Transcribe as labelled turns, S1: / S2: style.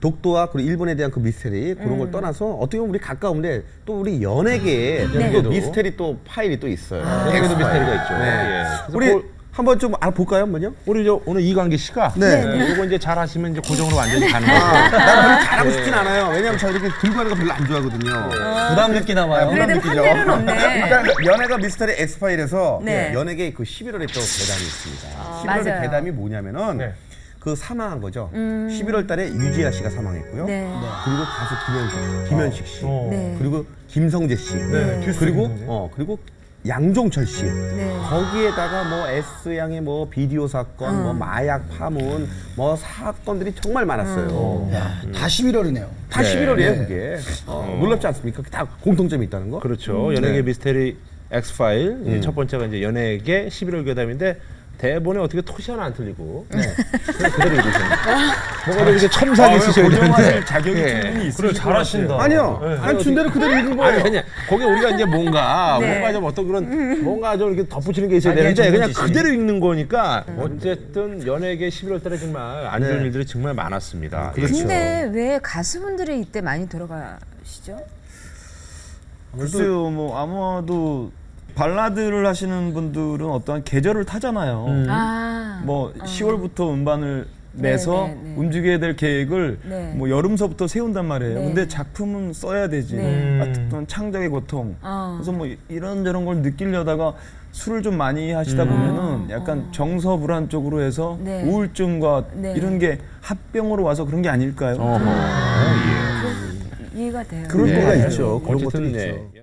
S1: 독도와 그리고 일본에 대한 그 미스테리 그런 걸 떠나서 어떻게 보면 우리 가까운데 또 우리 연예계에 또 미스테리 또 파일이 또 있어요.
S2: 연예계도 미스테리가 있죠.
S1: 네.
S2: 예.
S1: 우리 한번 좀 알아볼까요, 한번요?
S2: 우리 오늘 이광기 씨가 이거 이제 잘 하시면 이제 고정으로 완전히 가는 거예요.
S1: 난 별로 잘하고 싶진 않아요. 왜냐면 저 이렇게 들고 가는 거 별로 안 좋아하거든요.
S3: 부담 느끼나 봐요.
S4: 그래도 한대는 없네.
S1: 일단 연예가 미스터리 엑스파일에서
S4: 네.
S1: 연예계 그 11월에 또 대담이 있습니다. 11월에
S4: 맞아요.
S1: 대담이 뭐냐면은
S2: 네.
S1: 그 사망한 거죠. 11월 달에 유지아 씨가 사망했고요.
S4: 네.
S1: 그리고 가수 김현식 씨.
S4: 네.
S1: 그리고 김성재 씨.
S2: 듀스
S1: 그리고
S2: 김성재.
S1: 그리고 양종철 씨.
S4: 네.
S1: 거기에다가 뭐 S양의 뭐 비디오 사건, 뭐 마약 파문, 뭐 사건들이 정말 많았어요.
S3: 다 11월이네요.
S1: 다 11월이에요, 그게. 놀랍지 않습니까? 다 공통점이 있다는 거?
S2: 그렇죠. 연예계 미스테리 엑스파일 첫 번째가 이제 연예계 11월 괴담인데 대본에 어떻게 토시 하나 안 틀리고 그냥 그대로 읽으셨네요. 뭔가 이렇게 첨삭이 있으셔야 되는데
S1: 자격이
S2: 예.
S1: 충분히 있으실
S3: 그래, 잘하신다.
S1: 아니요. 한 준대로 그대로 읽은 거예요.
S2: 아니 거기 우리가 이제 뭔가
S4: 네.
S2: 좀 어떤 그런 뭔가 좀 이렇게 덧붙이는 게 있어야
S3: 자기의
S2: 되는데 그냥
S3: 전문지식.
S2: 그대로 읽는 거니까 어쨌든 연예계 11월 달에 정말 안 좋은
S1: 네.
S2: 일들이 정말 많았습니다.
S1: 그렇죠.
S4: 근데 왜 가수분들이 이때 많이 들어가시죠?
S5: 글쎄요, 뭐 아마도 발라드를 하시는 분들은 어떠한 계절을 타잖아요. 뭐 10월부터 음반을 내서
S4: 네, 네.
S5: 움직여야 될 계획을
S4: 네.
S5: 뭐 여름서부터 세운단 말이에요.
S4: 네.
S5: 근데 작품은 써야 되지.
S4: 네.
S5: 어떤 창작의 고통.
S4: 어.
S5: 그래서 뭐 이런저런 걸 느끼려다가 술을 좀 많이 하시다 보면은 약간 정서불안 쪽으로 해서
S4: 네.
S5: 우울증과
S4: 네.
S5: 이런 게 합병으로 와서 그런 게 아닐까요?
S4: 이해가 돼요.
S1: 그런
S2: 네.
S1: 때가 있죠. 그런
S2: 어쨌든
S1: 것들이
S2: 네.
S1: 있죠.